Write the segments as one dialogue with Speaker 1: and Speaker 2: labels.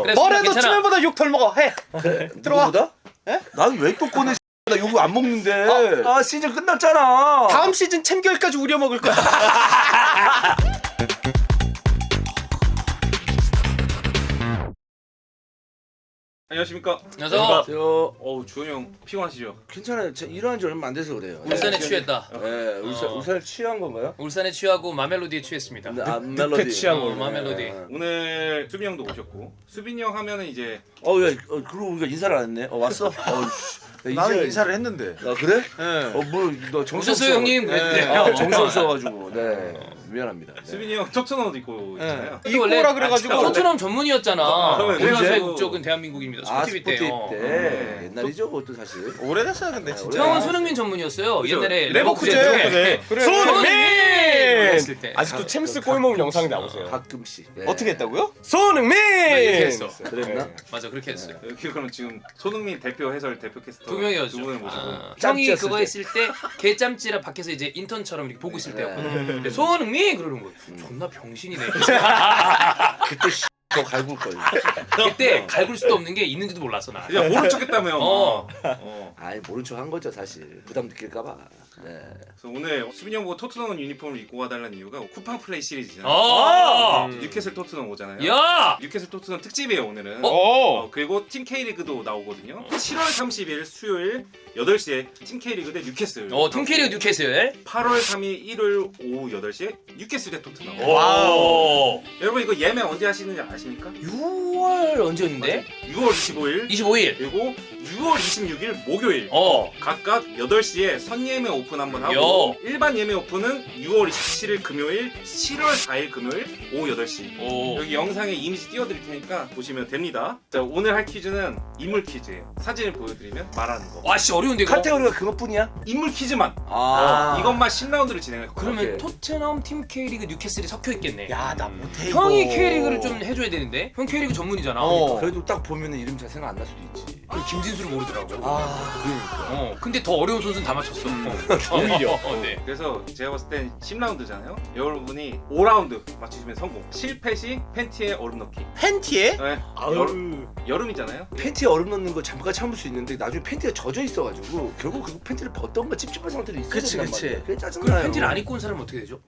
Speaker 1: 그래,
Speaker 2: 뭐래도
Speaker 1: 괜찮아.
Speaker 2: 치면보다 욕 덜 먹어. 해. 들어와.
Speaker 3: 누구보다?
Speaker 2: 에?
Speaker 3: 난 왜 또 꺼내? 나 욕을 안 먹는데. 시즌 끝났잖아.
Speaker 2: 다음 시즌 챔결까지 우려 먹을 거야.
Speaker 4: 안녕하십니까.
Speaker 1: 안녕하세요.
Speaker 3: 저
Speaker 4: 주현이 형 피곤하시죠?
Speaker 3: 괜찮아요. 제가 일어난 지 얼마 안 돼서 그래요.
Speaker 1: 울산에 취했다.
Speaker 3: 네, 울산에 취한 건가요?
Speaker 1: 울산에 취하고 마멜로디에 취했습니다.
Speaker 3: 멜로디.
Speaker 2: 취한
Speaker 1: 거. 마멜로디.
Speaker 4: 오늘 수빈이 형도 오셨고 수빈이 형 하면은 이제
Speaker 3: 야, 그러고 우리가 인사를 안 했네. 왔어?
Speaker 2: 나는 인사를 했는데.
Speaker 3: 그래?
Speaker 2: 예.
Speaker 3: 너 정신
Speaker 1: 오셨어요 형님?
Speaker 3: 정신 없어가지고. 네, 미안합니다. 네.
Speaker 4: 수빈이 형 토트넘도 입고 있잖아요.
Speaker 2: 예. 이꼬라 그래가지고.
Speaker 1: 토트넘 전문이었잖아.
Speaker 4: 그러면
Speaker 1: 울산의
Speaker 3: 언제?
Speaker 1: 국적은 대한민국입니다. 스포티비
Speaker 3: 스포티비
Speaker 1: 때요.
Speaker 3: 때 옛날이죠, 그것도 사실.
Speaker 2: 오래됐어요, 근데 진짜.
Speaker 1: 형은 손흥민 전문이었어요. 옛날에
Speaker 2: 레버쿠젠.
Speaker 1: 레버쿠젠.
Speaker 2: 그래.
Speaker 1: 손흥민! 했을 때.
Speaker 2: 아직도 챔스 골 먹은 영상이 나오세요.
Speaker 3: 가끔씩. 네.
Speaker 2: 어떻게 했다고요? 손흥민!
Speaker 1: 이렇게 했어.
Speaker 3: 그랬나?
Speaker 1: 맞아 그렇게 했어요.
Speaker 4: 여기 그럼 지금 손흥민 대표 해설 대표 캐스터
Speaker 1: 두 명이었죠.
Speaker 4: 두 분을 모시고
Speaker 1: 형이
Speaker 3: 짬찌였을
Speaker 1: 그거
Speaker 3: 때.
Speaker 1: 했을 때 개짬찌라 밖에서 이제 인턴처럼 이렇게 보고 있을
Speaker 3: 네.
Speaker 1: 때였거든. 근데 손흥민 그러는 거예요. 존나 병신이네.
Speaker 3: 그때 더 갈굴 걸.
Speaker 1: 그때 갈굴 수도 없는 게 있는지도 몰랐어 나.
Speaker 4: 야 모른 척했다며.
Speaker 1: 어.
Speaker 3: 아이 모른 척 한 거죠 사실. 부담 느낄까봐. 네.
Speaker 4: 그래서 오늘 수빈이 형 보고 토트넘 유니폼을 입고 와달라는 이유가 쿠팡 플레이 시리즈잖아요. 뉴캐슬 토트넘 오잖아요.
Speaker 1: 야!
Speaker 4: 뉴캐슬 토트넘 특집이에요 오늘은. 그리고 팀 K리그도 나오거든요. 7월 30일 수요일 8시에 팀 K리그 대 뉴캐슬.
Speaker 1: 팀 K리그 뉴캐슬.
Speaker 4: 8월 3일 일요일 오후 8시에 뉴캐슬 대 토트넘.
Speaker 1: 와우.
Speaker 4: 여러분 이거 예매 언제 하시는지 아십니까?
Speaker 1: 6월 언제였는데?
Speaker 4: 6월 25일
Speaker 1: 25일.
Speaker 4: 그리고 6월 26일 목요일 각각 8시에 선예매 오픈 한번 하고 일반 예매 오픈은 6월 27일 금요일 7월 4일 금요일 오후 8시 여기 영상에 이미지 띄워드릴 테니까 보시면 됩니다. 자 오늘 할 퀴즈는 인물 퀴즈예요. 사진을 보여드리면 말하는 거.
Speaker 1: 와씨 어려운데 이거.
Speaker 3: 카테고리가 그것뿐이야?
Speaker 4: 인물 퀴즈만.
Speaker 3: 아.
Speaker 4: 이것만 10라운드를 진행할 거예요.
Speaker 1: 그러면
Speaker 3: 오케이.
Speaker 1: 토트넘 팀 K리그 뉴캐슬이 섞여 있겠네.
Speaker 2: 야, 나 못해 이거.
Speaker 1: 형이 K리그를 좀 해줘야 되는데. 형 K리그 전문이잖아.
Speaker 3: 그래도 딱 보면 이름 잘 생각 안 날 수도 있지.
Speaker 1: 그리고 김진수를 모르더라고.
Speaker 3: 그러니까.
Speaker 1: 근데 더 어려운 선수는 다 맞췄어.
Speaker 2: 오히려.
Speaker 1: 네.
Speaker 4: 그래서 제가 봤을 땐 10라운드잖아요. 여러분이 5라운드 맞추시면 성공. 실패 시 팬티에 얼음 넣기.
Speaker 2: 팬티에?
Speaker 4: 네.
Speaker 2: 아유.
Speaker 4: 여름이잖아요.
Speaker 3: 팬티에 얼음 넣는 거 잠깐 참을 수 있는데 나중에 팬티가 젖어 있어가지고 결국 그 팬티를 벗던가 찝찝한 상태로 있어야
Speaker 2: 그치,
Speaker 3: 된단
Speaker 2: 그치.
Speaker 3: 말이야. 그게
Speaker 1: 그럼
Speaker 3: 짜증나요.
Speaker 1: 팬티를 안 입고 온 사람은 어떻게 되죠?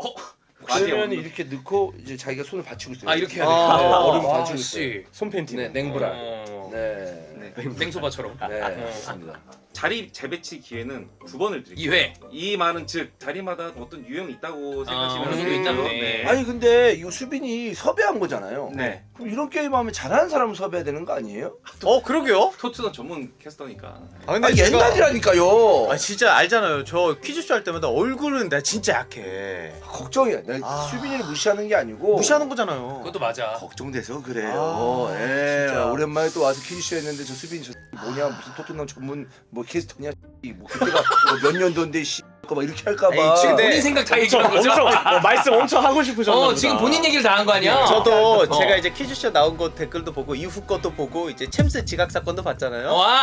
Speaker 3: 그러면 이렇게 넣고 이제 자기가 손을 받치고 있어요.
Speaker 1: 이렇게 해야 돼.
Speaker 3: 얼음 받치고 있어요.
Speaker 1: 씨.
Speaker 2: 손팬티.
Speaker 3: 네, 냉브라.
Speaker 1: 네.
Speaker 3: 네.
Speaker 1: 냉소바처럼.
Speaker 3: 네, 좋습니다.
Speaker 4: 자리 재배치 기회는 2번을 드릴게요.
Speaker 1: 2회.
Speaker 4: 이 말은 즉 자리마다 어떤 유형이 있다고 생각하시면
Speaker 1: 어느 정도
Speaker 4: 돼요.
Speaker 1: 있다네.
Speaker 3: 아니 근데 이거 수빈이 섭외한 거잖아요.
Speaker 4: 네.
Speaker 3: 그럼 이런 게임 하면 잘하는 사람 섭외해야 되는 거 아니에요?
Speaker 2: 그러게요.
Speaker 4: 토트넘 전문 캐스터니까.
Speaker 2: 근데
Speaker 3: 옛날이라니까요.
Speaker 2: 진짜 알잖아요. 저 퀴즈쇼 할 때마다 얼굴은 나 진짜 약해.
Speaker 3: 걱정이야. 내가 수빈이를 무시하는 게 아니고
Speaker 2: 무시하는 거잖아요.
Speaker 1: 그것도 맞아.
Speaker 3: 걱정돼서 그래요.
Speaker 2: 진짜.
Speaker 3: 오랜만에 또 와서 퀴즈쇼 했는데 저 수빈이 저 뭐냐 무슨 토트넘 전문 뭐 캐스터냐 뭐 그때가 몇 년도인데 막 이렇게 할까봐.
Speaker 2: 에이, 지금
Speaker 1: 본인 생각 다 얘기한 거죠?
Speaker 2: 말씀 엄청 하고 싶으셨나
Speaker 1: 지금 본인 얘기를 다 한 거 아니야?
Speaker 2: 저도 제가 이제 퀴즈쇼 나온 거 댓글도 보고 이후 것도 보고 이제 챔스 지각 사건도 봤잖아요.
Speaker 1: 와.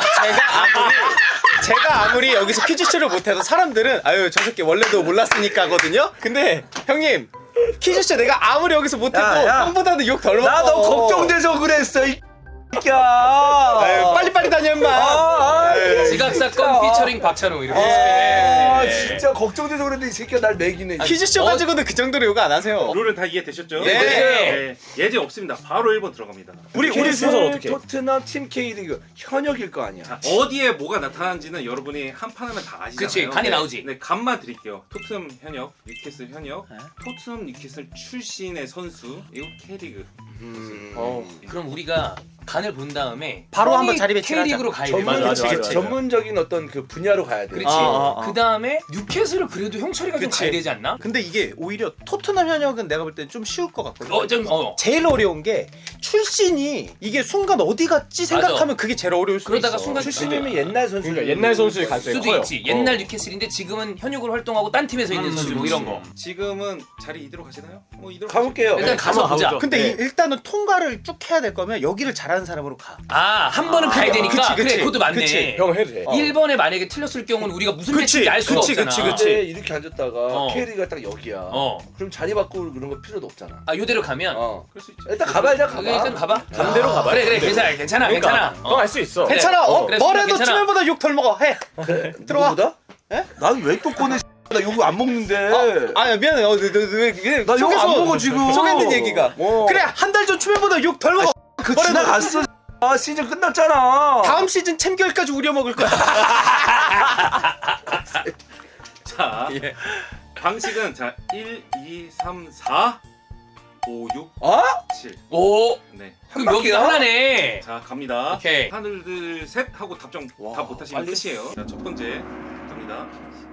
Speaker 2: 제가 아무리 여기서 퀴즈쇼를 못해도 사람들은 아유 저 새끼 원래도 몰랐으니까 하거든요. 근데 형님 퀴즈쇼 내가 아무리 여기서 못해도
Speaker 3: 야.
Speaker 2: 형보다는 욕 덜 먹어.
Speaker 3: 나 너 걱정돼서 그랬어 이 새끼야.
Speaker 2: 아유, 빨리빨리 다녀 임마.
Speaker 1: 지각 사건 피처링 박찬호 이렇게.
Speaker 3: 진짜 걱정돼서 그랬는데 이 새끼가 날 매기네.
Speaker 2: 퀴즈쇼 가지고는 그 정도로 욕 안 하세요.
Speaker 4: 룰은 다 이해되셨죠?
Speaker 2: 예.
Speaker 4: 네. 예제 없습니다. 바로 1번 들어갑니다.
Speaker 2: 우리 순서 어떻게?
Speaker 3: 토트넘 팀 K리그 현역일 거 아니야.
Speaker 4: 자, 어디에 뭐가 나타나는지는 여러분이 한 판 하면 다 아시잖아요.
Speaker 1: 그치, 간이 나오지.
Speaker 4: 네, 간만 드릴게요. 토트넘 현역, 뉴캐슬 현역, 토트넘 뉴캐슬 출신의 선수, 이거 K리그.
Speaker 1: 그럼 우리가 간을 본 다음에
Speaker 2: 바로
Speaker 1: 형이
Speaker 2: 한번 자리 배치를
Speaker 1: K리그로 가야 돼.
Speaker 2: 맞아.
Speaker 3: 전문적인 어떤 그 분야로 가야 돼.
Speaker 1: 그렇지.
Speaker 2: 아.
Speaker 1: 그 다음에 뉴캐슬을 그래도 형철이가 좀
Speaker 2: 그치.
Speaker 1: 가야 되지 않나?
Speaker 2: 근데 이게 오히려 토트넘 현역은 내가 볼 때 좀 쉬울 것 같거든. 제일 어려운 게 출신이 이게 순간 어디 갔지 생각하면 그게 제일 어려울 수도
Speaker 1: 그러다가
Speaker 2: 있어.
Speaker 1: 순간
Speaker 3: 출신이면 옛날 선수.
Speaker 5: 그러니까 옛날 선수의 가능성이
Speaker 1: 수도
Speaker 5: 커요.
Speaker 1: 있지. 옛날 뉴캐슬인데 지금은 현역으로 활동하고 딴 팀에서 있는 선수 뭐 이런 거.
Speaker 4: 지금은 자리 이대로 가시나요? 뭐 이대로
Speaker 3: 가볼게요.
Speaker 1: 일단 가서
Speaker 5: 한번
Speaker 1: 보자.
Speaker 5: 가보죠.
Speaker 2: 근데
Speaker 3: 네.
Speaker 2: 일단은 통과를 쭉 해야 될 거면 여기를 잘하는 잘하는 사람으로 가.
Speaker 1: 아, 한 번은 가야 되니까.
Speaker 2: 그치.
Speaker 1: 그래, 그것도 맞네.
Speaker 2: 그치.
Speaker 5: 형 해도 돼.
Speaker 1: 1번에 만약에 틀렸을 경우는 우리가 무슨
Speaker 2: 그치,
Speaker 1: 매치인지 알 수가
Speaker 2: 그치,
Speaker 1: 없잖아.
Speaker 2: 그치.
Speaker 3: 근데 이렇게 앉았다가
Speaker 1: 어.
Speaker 3: 캐리가 딱 여기야. 그럼 자리 바꾸고 그런 거 필요도 없잖아.
Speaker 1: 아, 요대로 가면.
Speaker 4: 그럴 수 있지.
Speaker 3: 일단 가봐 일단 가봐.
Speaker 1: 일단 가봐.
Speaker 2: 반대로 가봐.
Speaker 1: 그래, 괜찮아.
Speaker 5: 그러니까
Speaker 1: 괜찮아.
Speaker 5: 형 할 수 있어.
Speaker 2: 괜찮아.
Speaker 1: 그래,
Speaker 2: 뭐래도
Speaker 1: 괜찮아.
Speaker 2: 추면보다 욕 덜 먹어. 해. 들어와.
Speaker 3: 누구보다?
Speaker 2: 에?
Speaker 3: 난 왜 또 꺼내? 나 요거 안 먹는데.
Speaker 2: 아야 미안해. 너
Speaker 3: 나 요거 안 먹어 지금.
Speaker 2: 소개된 얘기가. 그래 한 달 전 추면보다 욕 덜 먹어.
Speaker 3: 그 지나갔어. 아 시즌 끝났잖아.
Speaker 2: 다음 시즌 챔결까지 우려 먹을 거야.
Speaker 4: 자,
Speaker 2: 예.
Speaker 4: 방식은 자 1, 2, 3, 4, 5, 6,
Speaker 3: 어?
Speaker 4: 7.
Speaker 1: 오,
Speaker 4: 네.
Speaker 1: 그럼 여기가 하나네.
Speaker 4: 자 갑니다.
Speaker 1: 오케이.
Speaker 4: 하나 둘 셋 하고 답정
Speaker 3: 와,
Speaker 4: 답 못하시면
Speaker 3: 빨리.
Speaker 4: 끝이에요. 자 첫 번째 갑니다.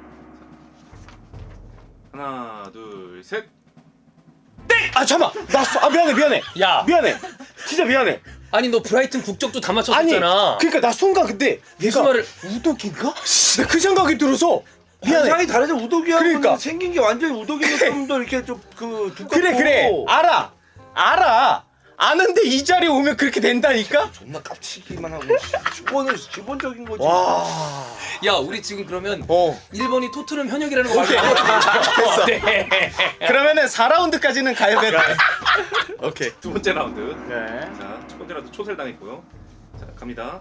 Speaker 4: 하나 둘 셋.
Speaker 2: 아 잠깐만. 나 미안해.
Speaker 1: 야,
Speaker 2: 미안해. 진짜 미안해.
Speaker 1: 아니 너 브라이튼 국적도 다
Speaker 2: 아니
Speaker 1: 맞췄었잖아.
Speaker 2: 그러니까 나 순간 근데
Speaker 1: 무슨
Speaker 2: 얘가
Speaker 1: 말을-
Speaker 2: 우독인가? 나 그 생각이 들어서 미안해.
Speaker 3: 상이 다르죠. 우독이하고
Speaker 2: 그러니까.
Speaker 3: 생긴 게 완전히 우독이는 좀 더 이렇게 좀 그 두껍고.
Speaker 2: 그래 알아. 아는데 이 자리에 오면 그렇게 된다니까?
Speaker 3: 존나 깝치기만 하고 기본적인 거지.
Speaker 2: 와.
Speaker 1: 야, 우리 지금 그러면
Speaker 2: 어.
Speaker 1: 1번이 토트넘 현역이라는 거
Speaker 2: 오케이.
Speaker 1: 됐어. 네.
Speaker 2: 그러면은 4라운드까지는 가야 돼. 오케이.
Speaker 4: 두 번째 라운드.
Speaker 2: 네.
Speaker 4: 자 첫 번째 라운드 초셀 당했고요. 자 갑니다.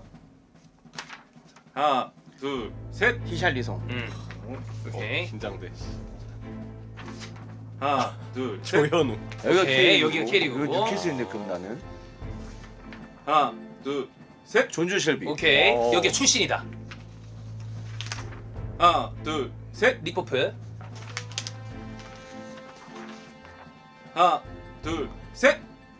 Speaker 4: 하나 둘 셋.
Speaker 2: 히샬리송.
Speaker 1: 오케이.
Speaker 5: 긴장돼.
Speaker 4: 하나 둘 셋.
Speaker 5: 조현우.
Speaker 3: 여기가
Speaker 1: 오케이, 여기가 캐리고.
Speaker 3: 여기 뉴캐슬인데 그럼 나는
Speaker 4: 하나 둘 셋.
Speaker 3: 존주 쉘비.
Speaker 1: 오케이.
Speaker 2: 어.
Speaker 1: 여기 출신이다.
Speaker 4: 하나 둘 셋.
Speaker 1: 리포프.
Speaker 4: 하나 둘 셋.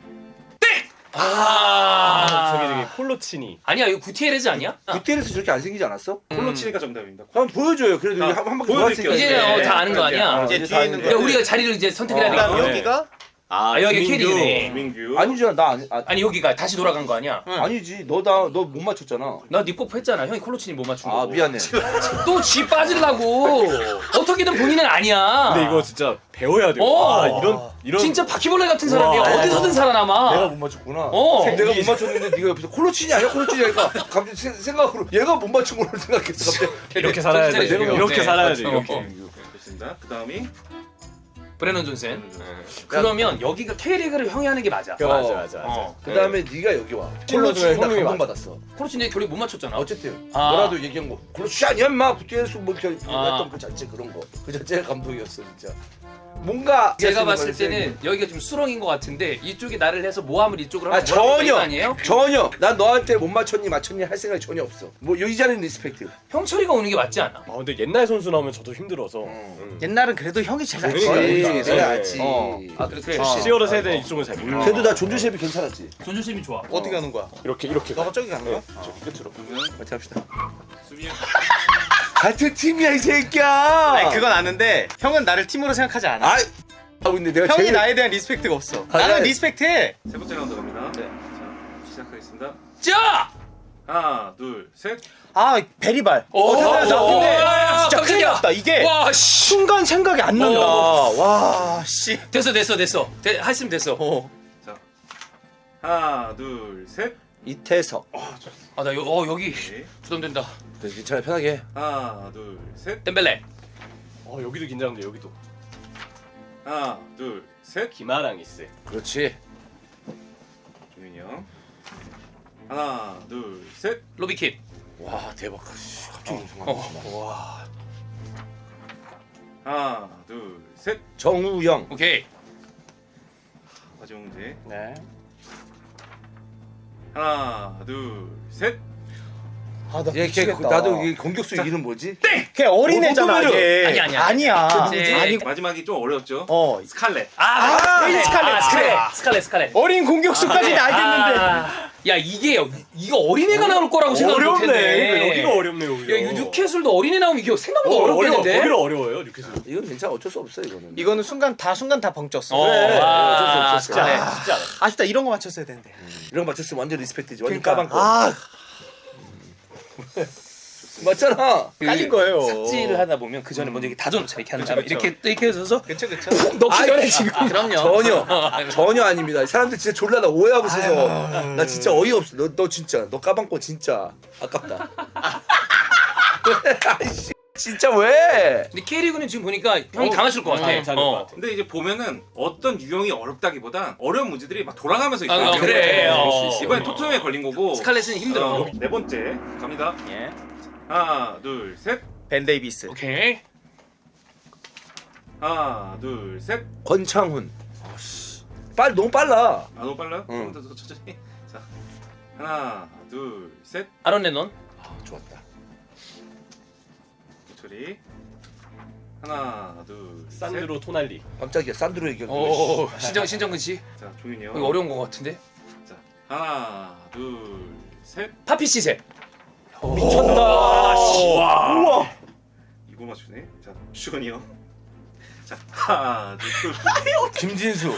Speaker 1: 아.
Speaker 5: 저기 폴로치니.
Speaker 1: 아니야, 이거 구티에레즈 아니야?
Speaker 3: 구티에레스 저렇게 안 생기지 않았어?
Speaker 4: 콜로치니가 정답입니다.
Speaker 3: 한번 보여줘요. 그래도
Speaker 4: 자,
Speaker 3: 우리 한 바퀴
Speaker 4: 보여드릴게요.
Speaker 3: 돌았으니까.
Speaker 1: 이제
Speaker 2: 네.
Speaker 1: 다 아는 거 아니야?
Speaker 2: 이제
Speaker 3: 이제
Speaker 2: 뒤에
Speaker 3: 다
Speaker 2: 있는
Speaker 3: 아는데.
Speaker 2: 거.
Speaker 1: 야, 우리가 자리를 이제 선택해야
Speaker 2: 그다음
Speaker 1: 되니까.
Speaker 5: 네.
Speaker 2: 여기가
Speaker 1: 아, 여기 캐리네.
Speaker 4: 민규.
Speaker 3: 아니잖아. 나 아니,
Speaker 1: 아니, 여기가 다시 돌아간 거 아니야?
Speaker 3: 아니지. 너 못 맞췄잖아.
Speaker 1: 나 리포프 했잖아. 형이 콜로치니 못 맞춘 거.
Speaker 3: 아 미안해.
Speaker 1: 또쥐 빠지려고. 어떻게든 본인은 아니야.
Speaker 5: 근데 이거 진짜 배워야 돼요.
Speaker 1: 어.
Speaker 5: 아, 이런
Speaker 1: 진짜 바퀴벌레 같은 사람이야.
Speaker 3: 와.
Speaker 1: 어디서든
Speaker 3: 내가
Speaker 1: 살아남아.
Speaker 3: 못 맞췄구나.
Speaker 1: 어.
Speaker 3: 내가 못 맞췄는데 네가 옆에서 콜로치니 아니야? 콜로치니 아니까 갑자기 생각으로 얘가 못 맞춘 걸로 생각했어. 갑자기.
Speaker 5: 이렇게 살아야 돼.
Speaker 1: 내가
Speaker 5: 이렇게
Speaker 1: 네.
Speaker 5: 살아야 돼.
Speaker 1: 어.
Speaker 5: 이렇게.
Speaker 1: 어.
Speaker 4: 좋습니다. 그 다음이
Speaker 1: 브레넌 존슨. 그러면 여기가 K리그를 형이 하는 게 맞아.
Speaker 5: 맞아.
Speaker 1: 어.
Speaker 3: 그 다음에 네가 여기 와.
Speaker 5: 콜로치니
Speaker 3: 콜로치니 나
Speaker 5: 형님이
Speaker 3: 감동받았어.
Speaker 1: 콜로치니 결국 못 맞췄잖아.
Speaker 3: 어쨌든
Speaker 1: 아.
Speaker 3: 뭐라도 얘기한 거. 콜로치 아니야 인마. 구티에레스 뭐 이렇게
Speaker 1: 아.
Speaker 3: 했던 그 자체 그런 거. 그 자체가 감동이었어 진짜. 뭔가
Speaker 1: 제가 봤을 때는 여기가 좀 수렁인 것 같은데 이쪽이 나를 해서 모함을 이쪽으로
Speaker 3: 아
Speaker 1: 하면 뭐라고
Speaker 3: 전혀
Speaker 1: 거 아니에요?
Speaker 3: 전혀 난 너한테 못 맞췄니 할 생각이 전혀 없어. 뭐 이 자리는 리스펙트.
Speaker 1: 형철이가 오는 게 맞지 않아?
Speaker 5: 아 근데 옛날 선수 나오면 저도 힘들어서.
Speaker 2: 옛날은 그래도 형이 제일 낫지.
Speaker 5: 그러니까.
Speaker 3: 그렇지
Speaker 5: 네.
Speaker 3: 내가 알지.
Speaker 1: 아 그래.
Speaker 5: 시어로 세대는 이쪽은 잘 몰라.
Speaker 3: 그래도 나 존주 셰프 괜찮았지.
Speaker 1: 존조심이 좋아.
Speaker 2: 어떻게 하는 거야?
Speaker 5: 이렇게
Speaker 2: 너가 저기 가는 거야?
Speaker 5: 저기 끝으로.
Speaker 4: 그러면
Speaker 3: 같이 합시다.
Speaker 4: 수비
Speaker 3: 같은 팀이야 이 새끼야.
Speaker 2: 아니 그건 아는데 형은 나를 팀으로 생각하지 않아.
Speaker 3: 아 근데 내가
Speaker 2: 형이
Speaker 3: 제일
Speaker 2: 나에 대한 리스펙트가 없어.
Speaker 3: 아,
Speaker 2: 나는
Speaker 3: 네.
Speaker 2: 리스펙트해.
Speaker 4: 세 번째 라운드 갑니다.
Speaker 1: 네.
Speaker 4: 자 시작하겠습니다.
Speaker 1: 자!
Speaker 4: 하나 둘 셋.
Speaker 2: 아 베리발.
Speaker 1: 오,
Speaker 2: 나 근데
Speaker 1: 와,
Speaker 2: 진짜 큰일
Speaker 1: 깜짝이야.
Speaker 2: 났다. 이게
Speaker 1: 와 씨.
Speaker 2: 순간 생각이 안 난다. 와 씨.
Speaker 1: 됐어. 했으면 됐어.
Speaker 4: 자 하나 둘 셋.
Speaker 3: 이태석.
Speaker 1: 아 나 여기
Speaker 4: 네.
Speaker 1: 부담된다.
Speaker 3: 괜찮아 편하게 해.
Speaker 4: 하나 둘 셋.
Speaker 1: 덴벨레.
Speaker 5: 여기도 긴장돼. 여기도.
Speaker 4: 하나 둘 셋.
Speaker 5: 김아랑 있어.
Speaker 3: 그렇지.
Speaker 4: 종민이 형. 하나 둘 셋.
Speaker 1: 로비킨.
Speaker 3: 와 대박. 갑자기
Speaker 5: 와.
Speaker 4: 하나 둘 셋.
Speaker 3: 정우영.
Speaker 1: 오케이.
Speaker 4: 마지막 문제.
Speaker 2: 네.
Speaker 4: 하나 둘 셋.
Speaker 2: 아나
Speaker 3: 얘 나도 이 공격수 이름 뭐지?
Speaker 2: 걔 어린애잖아
Speaker 3: 뭐
Speaker 2: 얘.
Speaker 1: 아니야.
Speaker 2: 아니야.
Speaker 1: 그치.
Speaker 2: 아니고.
Speaker 4: 마지막이 좀 어려웠죠.
Speaker 2: 스칼렛.
Speaker 1: 스칼렛.
Speaker 2: 어린 공격수까지는 알겠는데.
Speaker 1: 야 이거 어린애가 나올 거라고 생각 못했네.
Speaker 5: 여기가 어렵네 여기가.
Speaker 1: 야 이거 뉴캐슬도 어린애 나오면 이거 생각보다 어렵겠는데?
Speaker 5: 거기가 어려워요 뉴캐슬.
Speaker 3: 이건 괜찮아 어쩔 수 없어 이거는.
Speaker 2: 이거는 순간 다 벙쪘어.
Speaker 3: 그래. 어쩔 수 없어.
Speaker 5: 쉽지 않아. 쉽지 않아.
Speaker 2: 아쉽다 이런 거 맞췄어야 되는데.
Speaker 3: 이런 거 맞췄으면 완전 리스펙트지. 완전
Speaker 2: 그러니까.
Speaker 3: 까방거.
Speaker 2: 아
Speaker 4: 좋습니다.
Speaker 3: 맞잖아.
Speaker 2: 깔린 거예요.
Speaker 1: 삭제를 하다 보면 그 전에 먼저 이렇게 다져놓자 이렇게 한 다음에
Speaker 2: 그쵸.
Speaker 1: 이렇게 또 이렇게 해서
Speaker 2: 그쵸 그쵸.
Speaker 1: 넣기
Speaker 3: 아이,
Speaker 1: 전에 지금
Speaker 2: 그럼요.
Speaker 3: 전혀 아닙니다. 사람들 진짜 졸라 나 오해하고 있어서 나 진짜 어이없어. 너 진짜 너 까방권 진짜 아깝다. 아이씨, 진짜 왜?
Speaker 1: 근데 K리그는 지금 보니까 형이 당하실 것 같아.
Speaker 5: 잘할 것 같아.
Speaker 4: 근데 이제 보면은 어떤 유형이 어렵다기보단 어려운 문제들이 막 돌아가면서 있어요.
Speaker 1: 아, 그래.
Speaker 4: 이번에 토트넘에 걸린 거고.
Speaker 1: 스칼렛은 힘들어.
Speaker 4: 네 번째 갑니다.
Speaker 2: 예.
Speaker 4: 하나, 둘, 셋.
Speaker 2: 벤 데이비스.
Speaker 1: 오케이.
Speaker 4: 하나, 둘, 셋.
Speaker 3: 권창훈. 너무 빨라.
Speaker 4: 아 너무 빨라요?
Speaker 3: 응.
Speaker 4: 조금 더 천천히. 자, 하나, 둘, 셋.
Speaker 1: 아론 레논.
Speaker 3: 좋았다.
Speaker 4: 처리. 하나, 둘,
Speaker 5: 산드로 토날리.
Speaker 3: 깜짝이야. 산드로 얘기하고.
Speaker 1: 오 신정근 씨.
Speaker 4: 셋. 자, 조윤이 형.
Speaker 1: 이거 어려운 것 같은데.
Speaker 4: 자, 하나, 둘, 셋.
Speaker 1: 파피 시세.
Speaker 5: 미쳤다.
Speaker 4: 와. 이거 맞추네. 자, 주건이 형. 자, 하나, 둘.
Speaker 3: 김진수.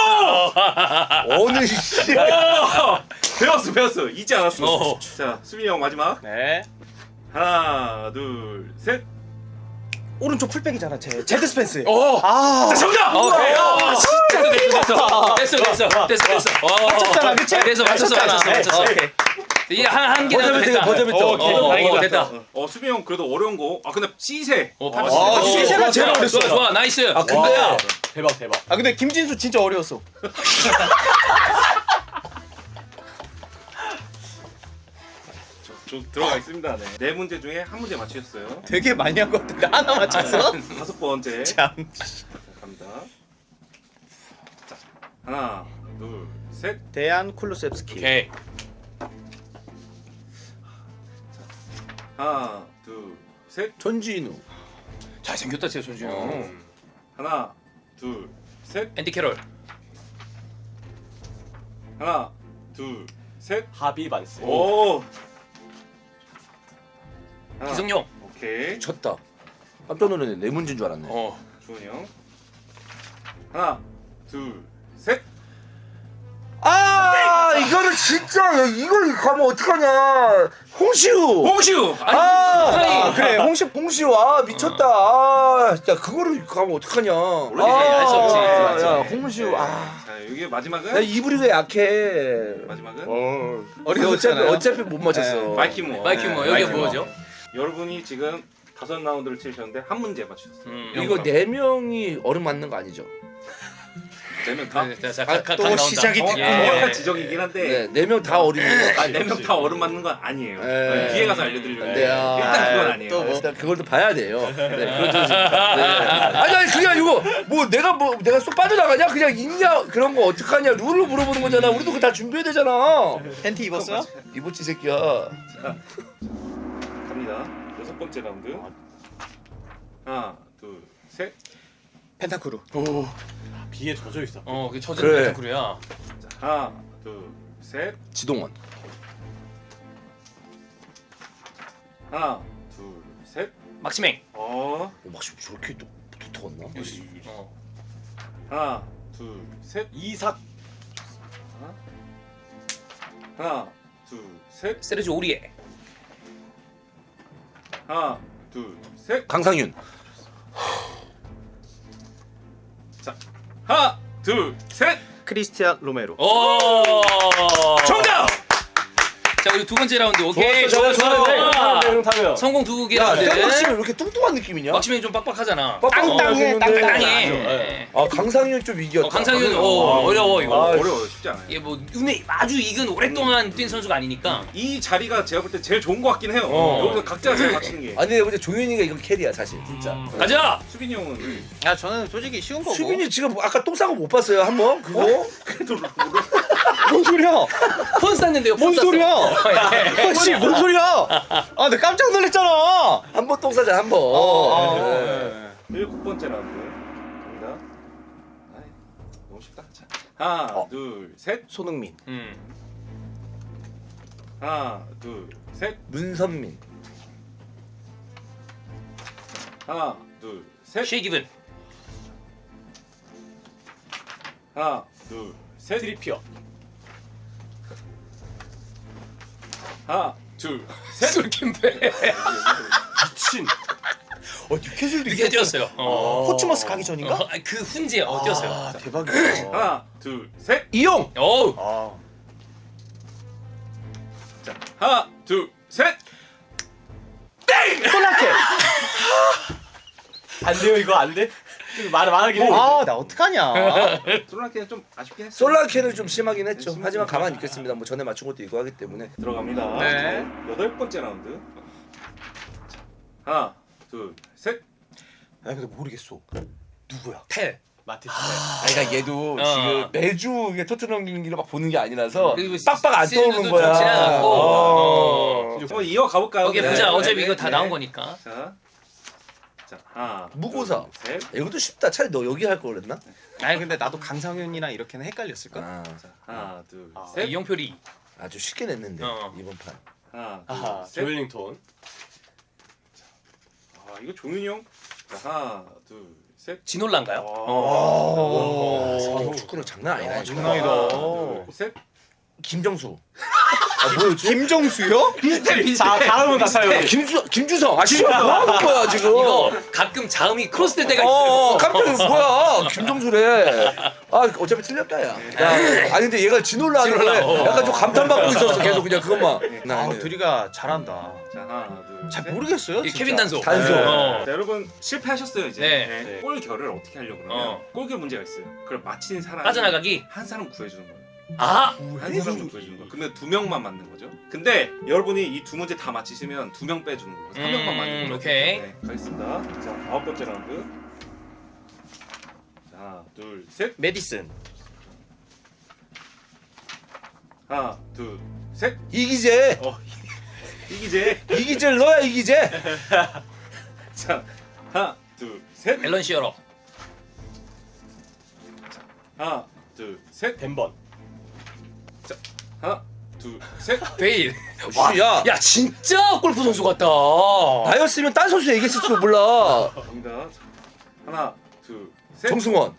Speaker 3: 어느 씨.
Speaker 4: 배웠어. 잊지 않았어. 자, 수빈이 형 마지막.
Speaker 2: 네.
Speaker 4: 하나, 둘, 셋.
Speaker 2: 오른쪽 풀백이잖아. 제드 스펜스.
Speaker 1: 아.
Speaker 2: 아.
Speaker 4: 정답!
Speaker 1: 오케이. 됐어.
Speaker 2: 맞췄잖아, 그치?
Speaker 1: 됐어. 맞췄어.
Speaker 2: 오케이.
Speaker 1: 이게 한 개는 됐다.
Speaker 3: 버저비터.
Speaker 1: 다행이다. 됐다.
Speaker 4: 수빈이 형 그래도 어려운 거. 아, 근데 시세.
Speaker 1: 파피
Speaker 2: 아, 시세가 제일 어렸어.
Speaker 1: 좋아. 나이스.
Speaker 3: 아 근데
Speaker 5: 대박 대박.
Speaker 2: 아 근데 김진수 진짜 어려웠어.
Speaker 4: 저 들어가 있습니다. 네 문제 중에 한 문제 맞추셨어요.
Speaker 2: 되게 많이 한 것 같은데 하나 맞췄어?
Speaker 4: 다섯 번째.
Speaker 2: 참.
Speaker 4: 자, 갑니다. 자, 하나, 둘, 셋.
Speaker 2: 대안 쿨루셉스키.
Speaker 1: 오케이.
Speaker 4: 하나, 둘, 셋.
Speaker 3: 전진우.
Speaker 1: 잘생겼다 진짜 전준이 형.
Speaker 4: 하나, 둘, 셋.
Speaker 1: 앤디 캐롤.
Speaker 4: 하나, 둘, 셋.
Speaker 5: 하비 반스.
Speaker 4: 오. 하나,
Speaker 1: 기성용.
Speaker 4: 오케이.
Speaker 3: 쳤다. 깜짝 놀랐네. 네 문제인 줄 알았네.
Speaker 4: 주원이 형. 하나, 둘, 셋.
Speaker 3: 아 이거는 진짜 이걸 가면 어떡하냐. 홍시우.
Speaker 4: 홍시우.
Speaker 3: 아 그래 홍시우 아 미쳤다. 야 그거를 가면 어떡하냐.
Speaker 4: 원래 알수 없지. 맞지.
Speaker 3: 야 홍시우 아.
Speaker 4: 자, 여기 마지막은.
Speaker 3: 나 이브리가 약해.
Speaker 4: 마지막은.
Speaker 3: 어차피 못 맞췄어.
Speaker 4: 마이키모.
Speaker 1: 마이큐머 여기 뭐죠?
Speaker 4: 여러분이 지금 5라운드를 치셨는데 한 문제 맞추셨어요.
Speaker 3: 이거 네 명이 얼음 맞는 거 아니죠?
Speaker 4: 4명 다.
Speaker 2: 또 시작이
Speaker 4: 정확한 지적이긴 한데.
Speaker 3: 네 명 다 얼음이에요.
Speaker 4: 4명 다 얼음 맞는 건 아니에요.
Speaker 3: 네.
Speaker 4: 뒤에 가서 알려드리려고.
Speaker 3: 네, 아.
Speaker 4: 일단 그건 아니에요.
Speaker 2: 또 뭐.
Speaker 3: 일단 그걸 또 봐야 돼요. 네, 그렇죠. 네. 아니 그게 아니고 내가 쏙 빠져나가냐? 그냥 있냐? 그런 거 어떡하냐? 룰을 물어보는 거잖아. 우리도 그거 다 준비해야 되잖아.
Speaker 2: 팬티 입었어요?
Speaker 3: 이보치 새끼야.
Speaker 4: 갑니다. 6번째 라운드. 하나, 둘, 셋.
Speaker 2: 펜타크루.
Speaker 5: 비에 젖어 있어.
Speaker 1: 그 저전
Speaker 3: 그래.
Speaker 1: 펜타크루야.
Speaker 4: 자, 하나, 둘, 셋.
Speaker 3: 지동원.
Speaker 4: 하나, 둘, 셋.
Speaker 1: 막시맹.
Speaker 3: 막 저렇게 또 붙어갔나?
Speaker 4: 하나, 둘, 셋.
Speaker 5: 이삭.
Speaker 4: 하나, 둘, 셋.
Speaker 1: 세르지 오리에.
Speaker 4: 하나, 둘, 셋.
Speaker 3: 강상윤.
Speaker 4: 자, 하나, 둘, 셋.
Speaker 2: 크리스티안 로메로.
Speaker 1: 정답. 자 우리 두 번째 라운드 오케이.
Speaker 3: 좋았어.
Speaker 5: 타면.
Speaker 1: 성공 두 개
Speaker 3: 야,
Speaker 1: 라운드.
Speaker 3: 샌드위치는 왜 이렇게 뚱뚱한 느낌이냐?
Speaker 1: 막시맹이 좀 빡빡하잖아.
Speaker 3: 땅땅해,
Speaker 1: 땅땅해.
Speaker 3: 아 강상윤 좀 이겼다.
Speaker 1: 강상윤 어려워 이거.
Speaker 4: 어려워요. 쉽지 않아요.
Speaker 1: 이게 뭐 눈에 아주 익은 오랫동안 뛴 선수가 아니니까.
Speaker 4: 이 자리가 제가 볼 때 제일 좋은 것 같긴 해요. 여기서 각자 잘 맞추는 게.
Speaker 3: 아니 내가 볼때 종현이가 이건 캐리야 사실 진짜.
Speaker 1: 가자.
Speaker 4: 수빈이 형은
Speaker 2: 야 저는 솔직히 쉬운 거고.
Speaker 3: 수빈이 지금 아까 똥 싸고 못 봤어요 한 번? 그거?
Speaker 4: 그래도
Speaker 2: 뭔 소리야?
Speaker 1: 폰 쌌는데요.
Speaker 2: 뭔 소리야? 아씨 뭔 소리야? 아 나 깜짝 놀랐잖아.
Speaker 3: 한 번 똥 싸자 한 번. 네.
Speaker 4: 7번째 라운드 갑니다. 아이, 너무 쉽다. 자, 하나, 둘, 셋.
Speaker 3: 손흥민,
Speaker 4: 하나, 둘, 셋.
Speaker 3: 문선민,
Speaker 4: 하나, 둘, 셋.
Speaker 1: 쉐이 기븐.
Speaker 4: 하나, 둘, 셋.
Speaker 5: 트리피어.
Speaker 4: 하나, 둘.
Speaker 1: 솔킴배.
Speaker 5: 미친.
Speaker 3: 뉴캐슬도
Speaker 1: 이게 뛰었어요.
Speaker 2: 포츠머스 가기 전인가?
Speaker 1: 그 훈지에 뛰었어요.
Speaker 2: 아 대박이다.
Speaker 4: 하나, 둘, 셋.
Speaker 3: 이용.
Speaker 1: 어우.
Speaker 2: 아
Speaker 4: 자, 하나, 둘, 셋.
Speaker 2: 솔라케.
Speaker 5: 안 돼요 이거 안 돼? 말하긴 해.
Speaker 2: 아나 어떡하냐.
Speaker 4: 솔라케는 좀 아쉽긴 했어.
Speaker 3: 솔라케는 좀 심하긴 했죠. 하지만 가만히 있겠습니다. 뭐 전에 맞춘 것도 이거 하기 때문에.
Speaker 4: 들어갑니다.
Speaker 2: 네.
Speaker 4: 8번째 라운드. 자, 하나, 둘, 셋.
Speaker 2: 아 근데 모르겠어. 누구야?
Speaker 1: 텔.
Speaker 5: 마티스.
Speaker 3: 그러니까 얘도 지금 매주 이게 토트넘 경기를 막 보는 게 아니라서
Speaker 1: 그리고
Speaker 3: 빡빡 안
Speaker 1: 시즌도
Speaker 3: 떠오르는
Speaker 1: 좀
Speaker 3: 거야.
Speaker 1: 지나갔고.
Speaker 4: 한번 이어가 볼까요?
Speaker 1: 오케이
Speaker 3: 네.
Speaker 1: 보자. 어차피
Speaker 3: 네,
Speaker 1: 이거 다
Speaker 3: 네.
Speaker 1: 나온 거니까.
Speaker 4: 자, 하나,
Speaker 3: 무고사.
Speaker 4: 둘, 셋.
Speaker 3: 이것도 쉽다. 차라리 너 여기 할 걸 그랬나?
Speaker 2: 아니 근데 나도 강상윤이랑 이렇게는 헷갈렸을 걸.
Speaker 3: 아,
Speaker 4: 하나, 둘,
Speaker 5: 아.
Speaker 4: 셋.
Speaker 1: 이용표리.
Speaker 3: 아주 쉽게 냈는데 이번 판.
Speaker 4: 하나,
Speaker 5: 아하.
Speaker 4: 둘, 셋.
Speaker 5: 조엘링톤.
Speaker 4: 아, 이거 종윤이 형. 자, 하나, 둘, 셋.
Speaker 1: 진올란가요?
Speaker 3: 오,
Speaker 5: 오.
Speaker 3: 축구는 장난 아니다.
Speaker 2: 야,
Speaker 3: 이거.
Speaker 2: 장난이다.
Speaker 4: 하나, 둘, 셋.
Speaker 3: 김정수. 아 뭐였지?
Speaker 2: 김정수요?
Speaker 1: 비슷해.
Speaker 5: 자 다음은 나타요.
Speaker 3: 김주성. 아 씨발 뭐 하는 거야 지금?
Speaker 1: 이거 가끔 자음이 크로스될 때가 있어요.
Speaker 3: 깜짝이야 뭐야 김정수래. 아 어차피 틀렸다 야. 아니 근데 얘가 진올라 하는 거에
Speaker 1: 진올라,
Speaker 3: 약간 좀 감탄받고 있었어 계속 그냥 그것만.
Speaker 2: 아 둘이가 잘한다.
Speaker 4: 자, 하나, 둘,
Speaker 2: 잘
Speaker 4: 셋.
Speaker 2: 모르겠어요.
Speaker 1: 이
Speaker 2: 진짜.
Speaker 1: 케빈 단소.
Speaker 3: 단소.
Speaker 1: 어.
Speaker 4: 자, 여러분 실패하셨어요 이제.
Speaker 1: 네.
Speaker 4: 골 결을 어떻게 하려고 그러면
Speaker 1: 어.
Speaker 4: 골결 문제가 있어요. 그걸 맞히는 사람이
Speaker 1: 빠져나가기.
Speaker 4: 한 사람 구해주는 거예요.
Speaker 1: 아.
Speaker 4: 한 사람 구해주는 거예요. 근데 2명만 맞는 거죠. 근데 여러분이 이 두 문제 다 맞히시면 2명 빼주는 거예요. 3명만 맞는 거예요.
Speaker 1: 오케이.
Speaker 4: 네, 가겠습니다. 자, 9번째 라운드. 자, 하나, 둘, 셋.
Speaker 2: 메디슨.
Speaker 4: 하나, 둘, 셋.
Speaker 3: 이기재.
Speaker 4: 이기재.
Speaker 3: 이기재 너야 이기재.
Speaker 4: 자, 하나, 둘, 셋.
Speaker 1: 앨런 시어러.
Speaker 4: 하나, 둘, 셋.
Speaker 5: 벤번.
Speaker 4: 하나, 둘, 셋.
Speaker 1: 베일.
Speaker 3: 야.
Speaker 1: 야 진짜 골프 선수 같다.
Speaker 3: 나였으면 딴 선수 얘기했을지도 몰라.
Speaker 4: 갑니다. 자, 하나, 둘, 셋.
Speaker 3: 정승원.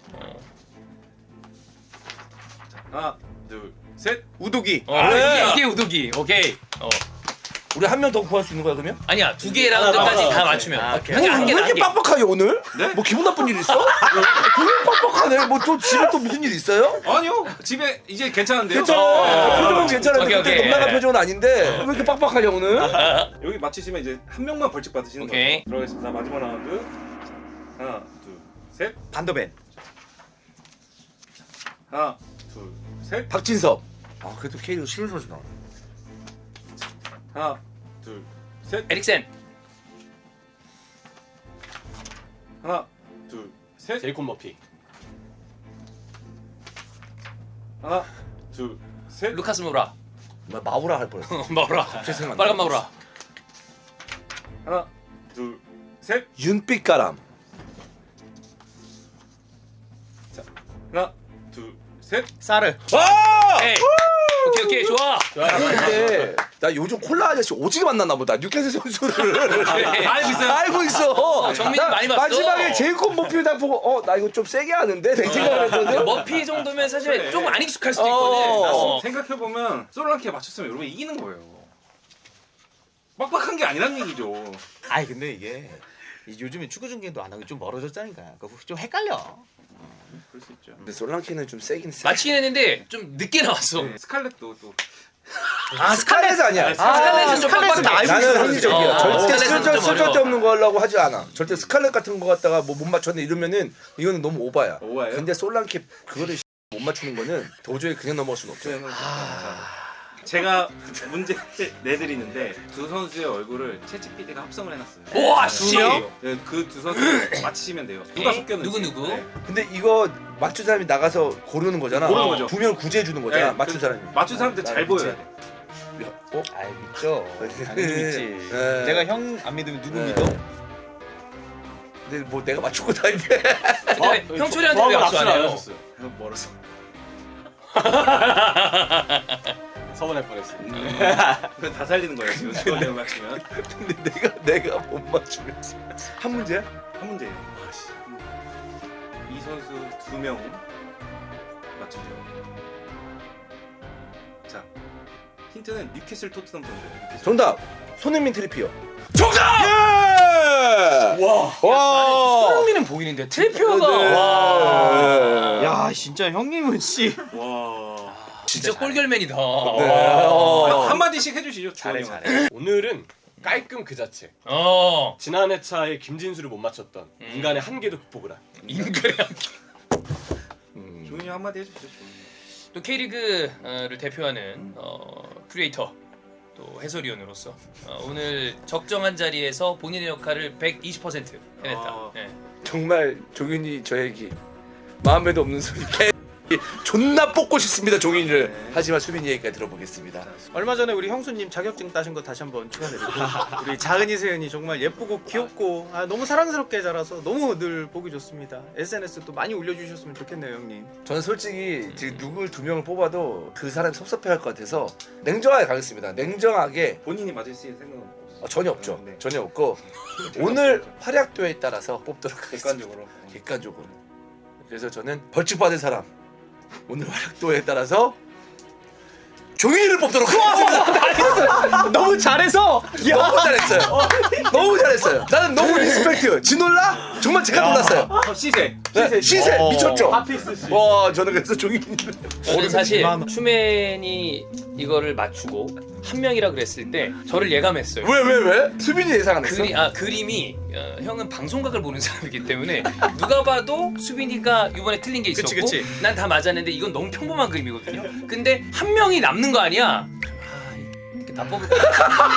Speaker 4: 하나, 둘, 셋.
Speaker 2: 우도기.
Speaker 3: 그래.
Speaker 1: 이게 우도기. 오케이.
Speaker 3: 우리 한 명 더 구할 수 있는 거야 그러면?
Speaker 1: 아니야 2개 라운드까지 다 맞추면.
Speaker 2: 아, 오케이.
Speaker 1: 한
Speaker 3: 왜
Speaker 1: 개.
Speaker 3: 이렇게 빡빡하게 오늘?
Speaker 4: 네?
Speaker 3: 뭐 기분 나쁜 일 있어? 되게 빡빡하네. 뭐 또 집에 또 무슨 일 있어요?
Speaker 4: 아니요. 집에 이제 괜찮은데요?
Speaker 3: 괜찮아. 표정은 괜찮은데
Speaker 1: 오케이,
Speaker 3: 그때
Speaker 1: 오케이.
Speaker 3: 농락한 표정은 아닌데 왜 이렇게 빡빡하냐 오늘?
Speaker 4: 여기 맞히시면 이제 한 명만 벌칙 받으시는
Speaker 1: 오케이.
Speaker 4: 거예요. 들어가겠습니다. 마지막 라운드. 자, 하나, 둘, 셋.
Speaker 2: 반더벤.
Speaker 4: 하나, 둘, 셋.
Speaker 3: 박진섭. 아 그래도 K리그 쉬운 선수 나와.
Speaker 4: 하나, 둘, 셋.
Speaker 1: 에릭센.
Speaker 4: 하나, 둘, 셋.
Speaker 5: 제이콥 머피.
Speaker 4: 하나, 둘, 셋.
Speaker 1: 루카스 모라.
Speaker 3: 마우라 할 뻔했어.
Speaker 1: 마우라.
Speaker 3: 갑자기 생각나.
Speaker 1: 빨간 마우라.
Speaker 4: 하나, 둘, 셋.
Speaker 3: 윤빛가람.
Speaker 4: 자, 하나, 둘, 셋.
Speaker 2: 사르.
Speaker 3: 아!
Speaker 1: 오케이. 오케이 좋아.
Speaker 3: 근데 나 요즘 콜라 아저씨 오지게 만났나 보다. 뉴캐슬 선수를
Speaker 1: 알고 있어요?
Speaker 3: 알고 있어.
Speaker 1: 정민이
Speaker 3: 나
Speaker 1: 많이 봤어.
Speaker 3: 마지막에 제이콥 머피 딱 보고 나 이거 좀 세게 하는데 되게 생각을 했거든.
Speaker 1: 머피 정도면 사실
Speaker 4: 그래.
Speaker 1: 좀 안 익숙할 수도 있거든.
Speaker 3: 어.
Speaker 4: 생각해보면 솔랑키에 맞췄으면 여러분 이기는 거예요. 빡빡한 게 아니란 얘기죠.
Speaker 2: 아니 근데 이게 요즘에 축구 중계도 안 하고 좀 멀어졌다니까. 좀 헷갈려.
Speaker 4: 그럴 수 있죠.
Speaker 3: 근데 솔랑키는 좀 세긴 세.
Speaker 1: 맞히긴 했는데 좀 늦게 나왔어.
Speaker 4: 네, 스칼렛도 또
Speaker 3: 아 스칼렛 아니야.
Speaker 1: 스칼렛은 좀
Speaker 2: 스칼렛은
Speaker 1: 빡빡해.
Speaker 2: 알고
Speaker 3: 나는
Speaker 2: 있어요.
Speaker 3: 합리적이야.
Speaker 1: 어,
Speaker 3: 절대
Speaker 1: 스칼렛은 좀
Speaker 3: 쓸데없는 거 하려고 하지 않아. 절대 스칼렛 같은 거 갖다가 뭐 못 맞췄네 이러면은 이거는 너무 오바야.
Speaker 4: 오바예요?
Speaker 3: 근데 솔랑키 그거를 못 맞추는 거는 도저히 그냥 넘어갈 수는 없죠.
Speaker 4: 제가 문제 내드리는데 두 선수의 얼굴을 챗GPT가 합성을 해놨어요.
Speaker 1: 우와, 씨.
Speaker 4: 네, 그 두 선수를 맞히시면 돼요. 누가
Speaker 1: 네?
Speaker 4: 섞였는지.
Speaker 1: 누구?
Speaker 4: 네.
Speaker 3: 근데 이거 맞춘 사람이 나가서 고르는 거잖아.
Speaker 4: 고르는 거죠.
Speaker 3: 두 명을 구제해 주는 거잖아.
Speaker 4: 네,
Speaker 3: 맞춘
Speaker 4: 그
Speaker 3: 사람이.
Speaker 4: 맞춘 사람들 잘 보여야 돼.
Speaker 3: 어?
Speaker 2: 아이 믿죠. 당연히 믿지.
Speaker 3: 네.
Speaker 2: 내가 형 안 믿으면 누구
Speaker 3: 네.
Speaker 2: 믿어?
Speaker 3: 근데 뭐 내가 맞춘 것도 아닌데.
Speaker 1: 근데 형철이한테 왜 악수 안 해요?
Speaker 5: 하셨어요.
Speaker 4: 멀어서.
Speaker 5: 서운할 뻔했어.
Speaker 4: 그건 다 살리는 거예요 지금 이거 맞추면.
Speaker 3: 근데 내가 못 맞추면 한 문제야?
Speaker 4: 한 문제예요. 이 선수 두 명 맞추죠. 자, 힌트는 뉴캐슬 토트넘 선수.
Speaker 3: 정답. 손흥민 트리피어.
Speaker 1: 정답!
Speaker 3: 예! 와.
Speaker 1: 손흥민은 보이는데 트리피어가
Speaker 3: 네.
Speaker 1: 와.
Speaker 2: 야 진짜 형님은 씨.
Speaker 4: 와.
Speaker 1: 진짜 골결맨이다.
Speaker 3: 네.
Speaker 4: 한마디씩 해주시죠.
Speaker 2: 잘해
Speaker 4: 주원이
Speaker 2: 잘해.
Speaker 5: 오늘은 깔끔 그 자체.
Speaker 1: 어.
Speaker 5: 지난 회차에 김진수를 못 맞췄던 인간의 한계도 극복을 한.
Speaker 1: 인간의
Speaker 4: 조은이 한마디 해주시죠. 조은이.
Speaker 1: 또 K리그를 대표하는 크리에이터 또 해설위원으로서 오늘 적정한 자리에서 본인의 역할을 120% 해냈다. 네.
Speaker 3: 정말 종윤이 저에게 마음에도 없는 소리 개 존나 뽑고 싶습니다 종윤이를. 하지만 수빈이 얘기까지 들어보겠습니다.
Speaker 2: 얼마 전에 우리 형수님 자격증 따신 거 다시 한번 축하드리고 우리 작은이 세연이 정말 예쁘고 귀엽고 너무 사랑스럽게 자라서 너무 늘 보기 좋습니다. SNS 또 많이 올려주셨으면 좋겠네요 형님.
Speaker 3: 저는 솔직히 지금 누굴 두 명을 뽑아도 그 사람이 섭섭해할 것 같아서 냉정하게 가겠습니다. 냉정하게.
Speaker 4: 본인이 맞을 수 있는 생각은 없어요.
Speaker 3: 전혀 없죠.
Speaker 4: 네.
Speaker 3: 전혀 없고 오늘 활약도에 따라서 뽑도록 하겠습니다.
Speaker 4: 객관적으로.
Speaker 3: 객관적으로. 그래서 저는 벌칙 받을 사람 오늘 활약도에 따라서 종이를 뽑도록 하겠습니다.
Speaker 2: 너무 잘해서
Speaker 3: 너무 잘했어요. 너무 잘했어요. 나는 너무 리스펙트. 진올라 정말 제가 놀랐어요.
Speaker 4: 시세.
Speaker 3: 네, 시세 미쳤죠.
Speaker 5: 핫픽스 씨.
Speaker 3: 와 저는 그래서 종이
Speaker 1: 저는 사실
Speaker 2: 마음.
Speaker 1: 슈맨이 이거를 맞추고 한 명이라 그랬을 때 저를 예감했어요.
Speaker 3: 왜? 수빈이 예상 안 했어?
Speaker 1: 그림이 형은 방송각을 보는 사람이기 때문에 누가 봐도 수빈이가 이번에 틀린 게 있었고
Speaker 2: 그치.
Speaker 1: 난 다 맞았는데 이건 너무 평범한 그림이거든요. 근데 한 명이 남는 거 아니야? 이렇게 다 뽑을 거야.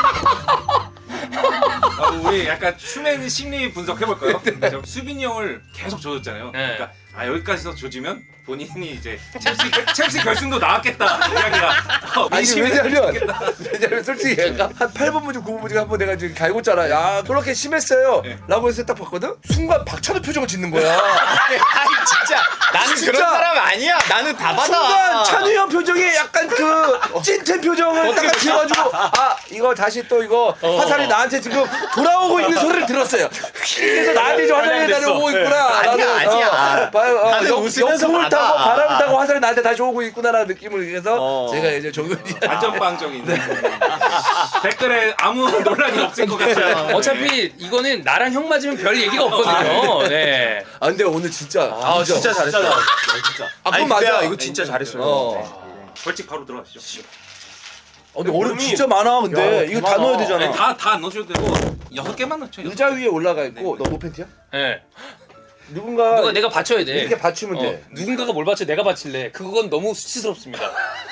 Speaker 4: 우리 약간 슈맨 심리 분석해볼까요? 수빈이 형을 계속 조졌잖아요.
Speaker 1: 네.
Speaker 4: 그러니까 여기까지서 조지면 본인이 이제 첼시 결승도 나왔겠다 이야기가.
Speaker 3: 아니 왜냐면 솔직히 한 8번 문제 9번 문제 한번 내가 지금 갈궜잖아. 야 그렇게 심했어요
Speaker 4: 네.
Speaker 3: 라고 해서 딱 봤거든? 순간 박찬호 표정을 짓는 거야.
Speaker 2: 아니 진짜 나는
Speaker 3: 진짜.
Speaker 2: 그런 사람 아니야. 나는 다 받아.
Speaker 3: 순간 찬우 형 표정에 약간 그 찐텐 표정을 딱 지어가지고 이거 다시 또 이거 화살이 나한테 지금 돌아오고 있는 소리를 들었어요. 그래서 나한테 좀 화살이 날아오고 있구나.
Speaker 2: 아니야. 나는 웃으면서
Speaker 3: 역풍을
Speaker 2: 받아.
Speaker 3: 타고 바람을 타고 화살이 나한테 다시 오고 있구나라는 느낌을 그래서 제가 이제 조금이
Speaker 4: 안전방정이 있는. 댓글에 아무 논란이 없을 것 같아요.
Speaker 1: 어차피 이거는 나랑 형 맞으면 별 얘기가 없거든요. 네.
Speaker 3: 아 근데 오늘 진짜
Speaker 2: 진짜 잘했어.
Speaker 5: 진짜.
Speaker 3: 그건 맞아.
Speaker 2: 이거 진짜 잘했어요.
Speaker 4: 벌칙 바로 들어가시죠.
Speaker 3: 근데 어려움 진짜 많아. 근데
Speaker 2: 야,
Speaker 3: 이거 다
Speaker 2: 많아.
Speaker 3: 넣어야 되잖아.
Speaker 4: 다 안 넣으셔도 되고 6개만 넣죠.
Speaker 3: 의자 위에 올라가 있고 너 노팬티야?
Speaker 1: 네.
Speaker 3: 누군가
Speaker 1: 누가 내가 받쳐야 돼.
Speaker 3: 이렇게 받치면 돼.
Speaker 1: 누군가가 뭘 받쳐 내가 받칠래. 그건 너무 수치스럽습니다.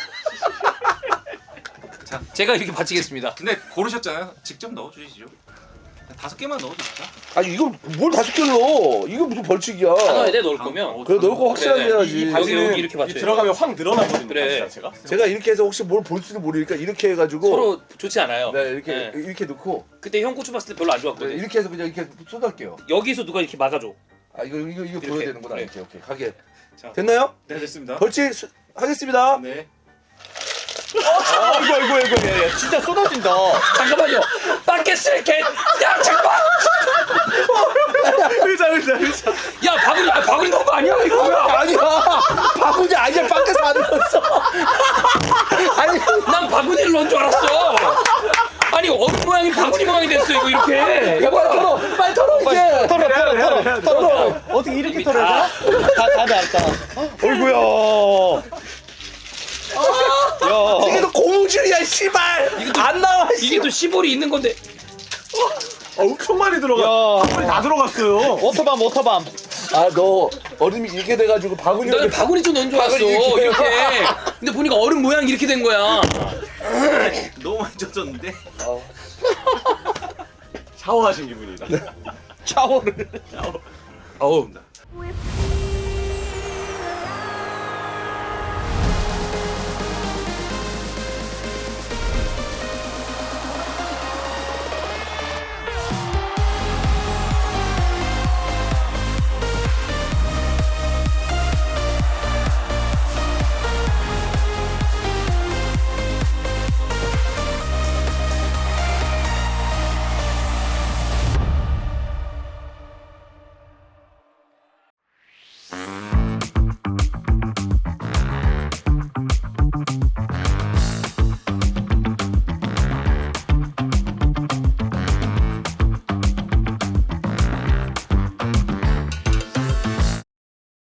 Speaker 4: 자.
Speaker 1: 제가 이렇게 받치겠습니다.
Speaker 4: 근데 고르셨잖아요. 직접 넣어주시죠. 5개만 넣어주시죠.
Speaker 3: 아니 이거 뭘 5개 넣어? 이거 무슨 벌칙이야?
Speaker 1: 다 넣어야 돼 넣을 거면.
Speaker 3: 그래 넣을 거 확실하게
Speaker 1: 그래,
Speaker 3: 해야지.
Speaker 1: 여기 이렇게
Speaker 5: 이
Speaker 1: 받쳐야 돼.
Speaker 5: 들어가면 확 늘어나거든요.
Speaker 1: 그래.
Speaker 5: 다시 자체가.
Speaker 3: 제가 이렇게 해서 혹시 뭘 볼지도 모르니까 이렇게 해가지고
Speaker 1: 서로 좋지 않아요.
Speaker 3: 네 이렇게
Speaker 1: 네.
Speaker 3: 이렇게 넣고
Speaker 1: 그때 형 고추 봤을 때 별로 안
Speaker 3: 네,
Speaker 1: 좋았거든.
Speaker 3: 이렇게 해서 그냥 이렇게 쏟을게요.
Speaker 1: 여기서 누가 이렇게 막아줘.
Speaker 3: 아 이거 보여야
Speaker 1: 이렇게.
Speaker 3: 되는구나.
Speaker 1: 그래.
Speaker 3: 이렇게 오케이 가게
Speaker 4: 자.
Speaker 3: 됐나요?
Speaker 4: 네 됐습니다.
Speaker 3: 벌칙 하겠습니다.
Speaker 4: 네.
Speaker 2: 이거 야, 진짜 쏟아진다.
Speaker 1: 잠깐만요. 바켓을 개. 야 잠깐만.
Speaker 5: 의자.
Speaker 1: 야 바구니 넣은 거 아니야 이거 뭐야?
Speaker 3: 아니야 바구니 아니야 밖에서 안 넣었어. 아니
Speaker 1: 난 바구니를 넣은 줄 알았어. 아니 얼음 모양이 바구니 모양이 됐어 이거 이렇게.
Speaker 3: 야 빨리 털어 빨리 털어 이제
Speaker 2: 털어. 어떻게 이렇게 털어야 돼? 다 나왔다. 어이구야.
Speaker 3: 이게 또 고무줄이야 씨발 안 나와
Speaker 1: 이게 또 시볼이 있는 건데.
Speaker 5: 엄청 많이 들어가. 한 번에 다 들어갔어요.
Speaker 2: 워터밤.
Speaker 3: 아 너 얼음이 이렇게 돼가지고 바구니
Speaker 1: 나는 바구니 좀 넣은 줄 알았어.
Speaker 3: 바구니 이렇게.
Speaker 1: 이렇게. 근데 보니까 얼음 모양 이렇게 된 거야.
Speaker 4: 너무 많이 젖었는데.
Speaker 5: 샤워하신 기분이다.
Speaker 1: 샤워를.
Speaker 3: 어우